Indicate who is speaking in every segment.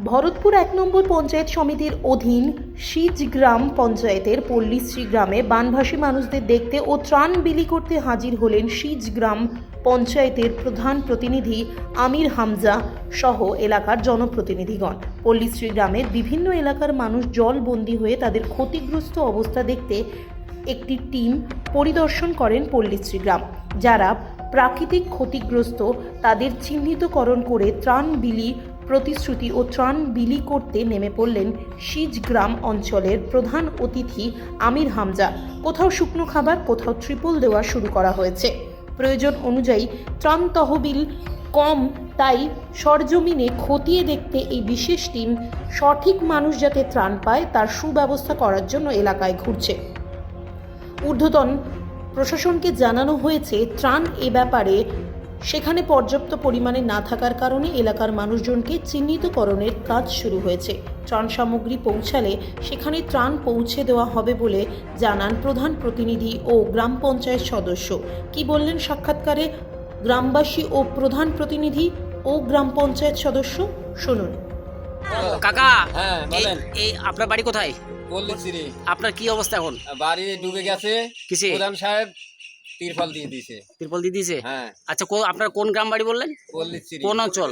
Speaker 1: ভরতপুর ১ নম্বর পঞ্চায়েত সমিতির অধীন সিজগ্রাম পঞ্চায়েতের পল্লীশ্রী গ্রামে বানভাসী মানুষদের দেখতে ও ত্রাণ বিলি করতে হাজির হলেন সিজগ্রাম পঞ্চায়েতের প্রধান প্রতিনিধি আমির হামজা সহ এলাকার জনপ্রতিনিধিগণ। পল্লীশ্রী গ্রামের বিভিন্ন এলাকার মানুষ জলবন্দী হয়ে তাদের ক্ষতিগ্রস্ত অবস্থা দেখতে একটি টিম পরিদর্শন করেন পল্লীশ্রী গ্রাম। যারা প্রাকৃতিক ক্ষতিগ্রস্ত তাদের চিহ্নিতকরণ করে ত্রাণ বিলি প্রতিশ্রুতি ও ত্রাণ বিলি করতে নেমে পড়লেন সিজগ্রাম অঞ্চলের প্রধান অতিথি আমির হামজা। কোথাও শুকনো খাবার, কোথাও ট্রিপল দেওয়া শুরু করা হয়েছে। প্রয়োজন অনুযায়ী ত্রাণ তহবিল কম, তাই সরজমিনে খতিয়ে দেখতে এই বিশেষ টিম সঠিক মানুষ যাতে ত্রাণ পায় তার সুব্যবস্থা করার জন্য এলাকায় ঘুরছে। ঊর্ধ্বতন প্রশাসনকে জানানো হয়েছে ত্রাণ এ ব্যাপারে সেখানে পর্যাপ্ত পরিমাণে না থাকার কারণে এলাকার মানুষজনকে চিহ্নিতকরণের কাজ শুরু হয়েছে। ত্রাণ সামগ্রী পৌঁছালে সেখানে ত্রাণ পৌঁছে দেওয়া হবে বলে জানান প্রধান প্রতিনিধি ও গ্রাম পঞ্চায়েত সদস্য। কি বললেন সাক্ষাৎকারে গ্রামবাসী ও প্রধান প্রতিনিধি ও গ্রাম পঞ্চায়েত সদস্য, শুনুন।
Speaker 2: কাকা,
Speaker 3: হ্যাঁ বলেন।
Speaker 2: এই আপনার বাড়ি কোথায়?
Speaker 3: পল্লীশ্রী
Speaker 2: আপনার কি অবস্থা এখন?
Speaker 3: বাড়ি ডুবে গেছে।
Speaker 2: কিসে?
Speaker 3: প্রধান সাহেব তিরপল দিয়ে দিয়েছে।
Speaker 2: তিরপল দিয়ে দিয়েছে?
Speaker 3: হ্যাঁ।
Speaker 2: আচ্ছা, আপনার কোন গ্রাম বাড়ি বললেন?
Speaker 3: পল্লীশ্রী
Speaker 2: কোন অঞ্চল?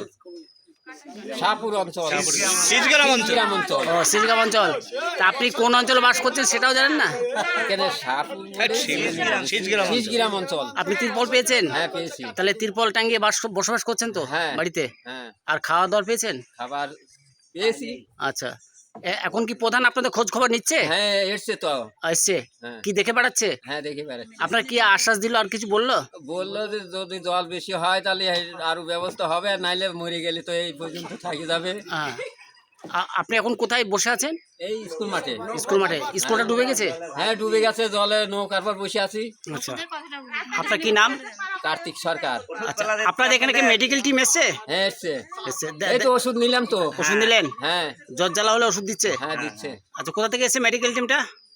Speaker 3: শাহপুর অঞ্চল।
Speaker 4: সিজগ্রাম অঞ্চল।
Speaker 3: অঞ্চল।
Speaker 2: ও, সিজগ্রাম অঞ্চল। তা আপনি কোন অঞ্চলে বাস করছেন সেটাও জানেন না?
Speaker 3: কেন শাহপুর
Speaker 4: সিজগ্রাম অঞ্চল।
Speaker 3: সিজগ্রাম অঞ্চল।
Speaker 2: আপনি তিরপল পেয়েছেন?
Speaker 3: হ্যাঁ পেয়েছি।
Speaker 2: তাহলে তিরপল টাঙ্গিয়ে বসবাস করছেন তো
Speaker 3: হ্যাঁ।
Speaker 2: বাড়িতে?
Speaker 3: হ্যাঁ
Speaker 2: আর খাওয়া দাওয়া পেয়েছেন?
Speaker 3: খাবার পেয়েছি।
Speaker 2: আচ্ছা, এখন কি প্রধান আপনাদের খোঁজ খবর নিচ্ছে?
Speaker 3: হ্যাঁ এসছে তো।
Speaker 2: এসছে?
Speaker 3: হ্যাঁ।
Speaker 2: কি দেখে বেড়াচ্ছে?
Speaker 3: হ্যাঁ দেখে বেড়াচ্ছি।
Speaker 2: আপনার কি আশ্বাস দিল, আর কিছু বললো?
Speaker 3: বললো যে যদি জল বেশি হয় তাহলে আরো ব্যবস্থা হবে, আর নাইলে মরে গেলে তো এই পর্যন্ত থাকি যাবে।
Speaker 2: হ্যাঁ। আপনি এখন কোথায় বসে আছেন?
Speaker 3: এই স্কুল মাঠে।
Speaker 2: স্কুল মাঠে? স্কুলটা ডুবে গেছে?
Speaker 3: হ্যাঁ ডুবে গেছে, জলে নৌকার পর বসে আছি।
Speaker 2: আচ্ছা, আপনার কি নাম?
Speaker 3: কার্তিক সরকার।
Speaker 2: আচ্ছা, আপনাদের এখানে কি মেডিকেল টিম এসছে?
Speaker 3: হ্যাঁ এসছে।
Speaker 2: এসছে।
Speaker 3: এই তো ওষুধ নিলাম তো।
Speaker 2: ওষুধ নিলেন?
Speaker 3: হ্যাঁ
Speaker 2: জ্বর জ্বালা হলে ওষুধ দিচ্ছে?
Speaker 3: হ্যাঁ দিচ্ছে।
Speaker 2: আচ্ছা, কোথা থেকে এসছে মেডিকেল টিমটা?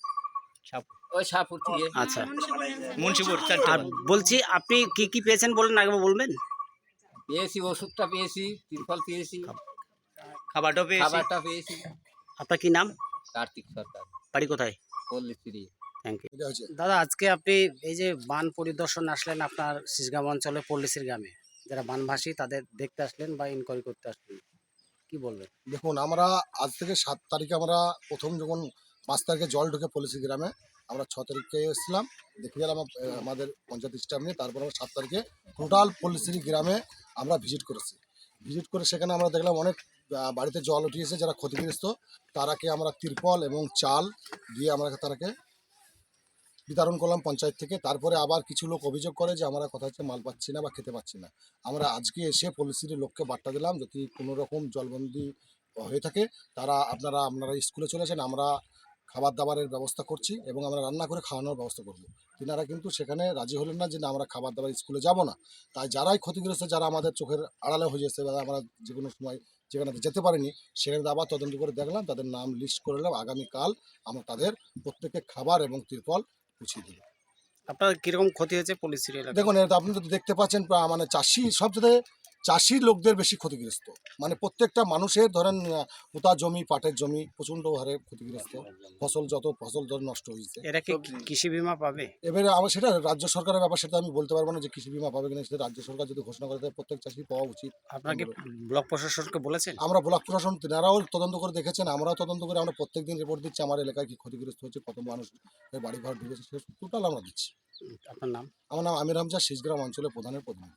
Speaker 3: ওই শাহপুর থেকে।
Speaker 2: আচ্ছা,
Speaker 4: মুন্সিপুর
Speaker 2: আর বলছি আপনি কি কি পেয়েছেন বলেন, আগে বলবেন?
Speaker 3: পেয়েছি, ওষুধটা পেয়েছি, তিরপল পেয়েছি,
Speaker 4: খাবারটাও পেয়েছি।
Speaker 3: খাবারটা পেয়েছি।
Speaker 2: আপনার কি নাম?
Speaker 3: কার্তিক সরকার,
Speaker 2: বাড়ি কোথায়?
Speaker 3: পল্লীশ্রী।
Speaker 2: Thank you. দাদা, আজকে আপনি এই যে বান পরিদর্শন আসলেন আপনার সিজগ্রাম অঞ্চলে পল্লীশ্রী গ্রামে, যারা বানভাসী তাদের দেখতে আসলেন বা ইনকোয়ারি করতে আসলেন, কি বলবেন?
Speaker 5: দেখুন, আমরা আজ থেকে 7 তারিখে আমরা প্রথম যখন 5 তারিখে জল ঢুকে পল্লীশ্রী গ্রামে, আমরা 6 তারিখে এসেছিলাম, দেখে গেলাম আমাদের পঞ্চায়েত স্টাফ নিয়ে। তারপর আমরা 7 তারিখে টোটাল পল্লীশ্রী গ্রামে আমরা ভিজিট করেছি। ভিজিট করে সেখানে আমরা দেখলাম অনেক বাড়িতে জল উঠিয়েছে, যারা ক্ষতিগ্রস্ত তারাকে আমরা তিরপল এবং চাল দিয়ে আমরা তারাকে বিতরণ করলাম পঞ্চায়েত থেকে। তারপরে আবার কিছু লোক অভিযোগ করে যে আমরা কথা হচ্ছে মাল পাচ্ছি না বা খেতে পাচ্ছি না। আমরা আজকে এসে পল্লীশ্রীর লোককে বার্তা দিলাম, যদি কোনো রকম জলবন্দি হয়ে থাকে তারা আপনারা স্কুলে চলে আসেন, আমরা খাবার দাবারের ব্যবস্থা করছি এবং আমরা রান্না করে খাওয়ানোর ব্যবস্থা করব। তিনারা কিন্তু সেখানে রাজি হলেন না যে না, আমরা খাবার দাবার স্কুলে যাব না। তাই যারাই ক্ষতিগ্রস্ত, যারা আমাদের চোখের আড়ালে হয়ে যাচ্ছে বা আমরা যে কোনো সময় যেখানে যেতে পারিনি, সেখানে আবার তদন্ত করে দেখলাম, তাদের নাম লিস্ট করে নিলাম। আগামীকাল আমরা তাদের প্রত্যেককে খাবার এবং তিরপল পুছিয়ে দেবো।
Speaker 2: আপনার কিরকম ক্ষতি হয়েছে পল্লীশ্রী এলাকায়?
Speaker 5: দেখুন, এটা আপনি যদি দেখতে পাচ্ছেন, মানে চাষি সবচেয়ে চাষির লোকদের বেশি ক্ষতিগ্রস্ত। মানে প্রত্যেকটা মানুষের ধরেন পোতা জমি, পাটের জমি প্রচণ্ড হারে ক্ষতিগ্রস্ত। ফসল ধর নষ্ট হয়েছে।
Speaker 2: এরা কি কৃষি বীমা পাবে?
Speaker 5: এবারে আমার সেটা রাজ্য সরকারের ব্যাপার, সেটা আমি বলতে পারবো না যে কৃষি বীমা পাবে কিনা। সেটা রাজ্য সরকার যদি ঘোষণা করে দেয়, প্রত্যেক চাষি পাওয়া উচিত।
Speaker 2: আপনাকে ব্লক প্রশাসনকে বলেছেন?
Speaker 5: আমরা ব্লক প্রশাসন তেনারাও তদন্ত করে দেখেছেন, আমরাও তদন্ত করে আমরা প্রত্যেকদিন রিপোর্ট দিচ্ছি। আমার এলাকায় কি ক্ষতিগ্রস্ত হচ্ছে, কত মানুষ বাড়ি ঘর ঢুকেছে, সে টোটাল আমরা দিচ্ছি।
Speaker 2: আপনার নাম?
Speaker 5: আমার নাম আমির হামজা, সিজগ্রাম অঞ্চলের প্রধানের প্রতিনিধি।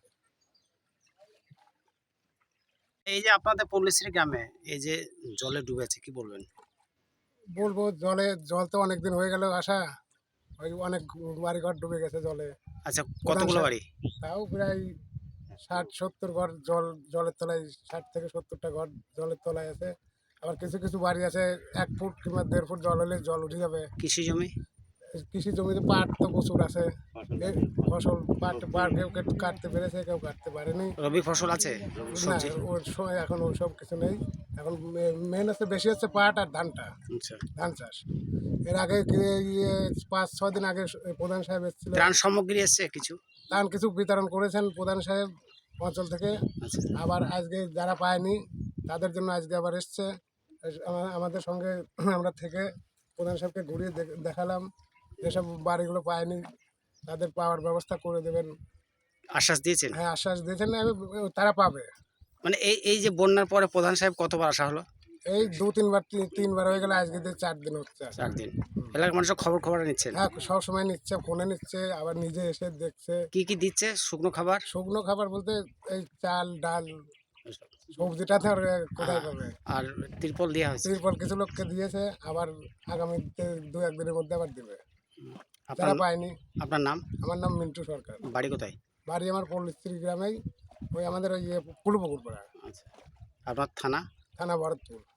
Speaker 2: এই যে আপনাদের পল্লীশ্রী গ্রামে এই যে জলে ডুবেছে, কি বলবেন?
Speaker 6: বলবো, জল তো অনেকদিন হয়ে গেল আসা, ওই অনেক বাড়িঘর ডুবে গেছে জলে।
Speaker 2: আচ্ছা, কতগুলো বাড়ি?
Speaker 6: তাও প্রায় 60-70 ঘর জলের তলায়, 60 থেকে 70টা ঘর জলের তলায় আছে। আবার কিছু কিছু বাড়ি আছে 1 ফুট কিংবা 1.5 ফুট জল হলে জল উঠে যাবে।
Speaker 2: কৃষি জমি?
Speaker 6: কৃষি জমিতে পাট তো প্রচুর আছে, এই ফসল পাট কেউ কাটতে পেরেছে, কেউ কাটতে পারেনি।
Speaker 2: রবি ফসল আছে?
Speaker 6: না, ওর সময় এখন ওইসব কিছু নেই। এখন মেন হচ্ছে বেশি হচ্ছে পাট আর ধানটা,
Speaker 2: আচ্ছা,
Speaker 6: ধান চাষ। এর আগে 5-6 দিন আগে প্রধান সাহেব এসেছিল,
Speaker 2: ত্রাণ সামগ্রী এসছে কিছু?
Speaker 6: ধান কিছু বিতরণ করেছেন প্রধান সাহেব অঞ্চল থেকে।
Speaker 2: আচ্ছা,
Speaker 6: আবার আজকে যারা পায়নি তাদের জন্য আজকে আবার এসছে। আমাদের সঙ্গে আমরা থেকে প্রধান সাহেবকে ঘুরিয়ে দেখালাম যেসব বাড়িগুলো পায়নি তাদের পাওয়ার ব্যবস্থা করে দেবেন।
Speaker 2: আশ্বাস দিয়েছেন?
Speaker 6: হ্যাঁ, আশ্বাস দিয়েছেন, তারা পাবে।
Speaker 2: মানে এই যে বন্যার পরে প্রধান সাহেব কতবার আসা হলো?
Speaker 6: এই 2-3বার হয়ে গেলে, আজকে 4 দিন হচ্ছে।
Speaker 2: 4 দিন। এলাকার মানুষের খবর নিচ্ছেন?
Speaker 6: হ্যাঁ, সবসময় নিচ্ছে, ফোনে নিচ্ছে, আবার নিজে এসে দেখছে।
Speaker 2: কি দিচ্ছে শুকনো খাবার?
Speaker 6: শুকনো খাবার বলতে এই চাল ডাল, সবজিটা তো আর কোথায় পাবে।
Speaker 2: আর তিরপল দেওয়া হয়েছে?
Speaker 6: তিরপল কিছু লোককে দিয়েছে, আবার আগামীতে 2-1 দিনের মধ্যে আবার দেবে
Speaker 2: আপনার
Speaker 6: যারা পায়নি।
Speaker 2: আপনার নাম?
Speaker 6: আমার নাম মিন্টু সরকার।
Speaker 2: বাড়ি কোথায়?
Speaker 6: বাড়ি আমার পল্লীশ্রী গ্রামেই, ওই আমাদের ওই পুলপুকুর পাড়া,
Speaker 2: আচ্ছা, আপনার থানা?
Speaker 6: থানা ভরতপুর।